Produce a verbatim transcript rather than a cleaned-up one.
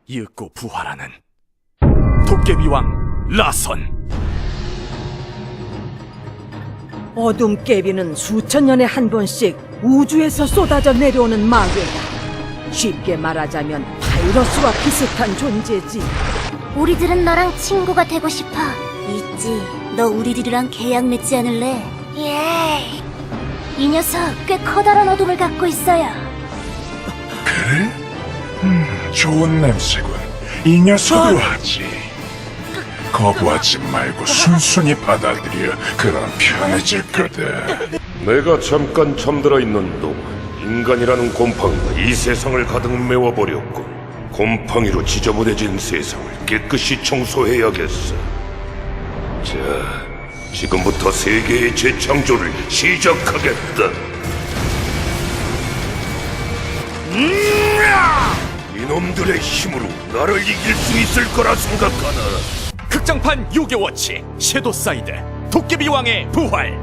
이윽고 부활하는 도깨비왕 라선. 어둠 깨비는 수천 년에 한 번씩 우주에서 쏟아져 내려오는 마괴다. 쉽게 말하자면 바이러스와 비슷한 존재지. 우리들은 너랑 친구가 되고 싶어. 있지. 너 우리들이랑 계약 맺지 않을래? 예. 이 녀석 꽤 커다란 어둠을 갖고 있어요. 그래? 음, 좋은 냄새군. 이 녀석으로 하지. 거부하지 말고 순순히 받아들여. 그럼 편해질 거다. 내가 잠깐 잠들어 있는 동안 인간이라는 곰팡이가 이 세상을 가득 메워버렸고, 곰팡이로 지저분해진 세상을 깨끗이 청소해야겠어. 자, 지금부터 세계의 재창조를 시작하겠다. 이놈들의 힘으로 나를 이길 수 있을 거라 생각하나? 극장판 요괴워치 섀도사이드 도깨비왕의 부활.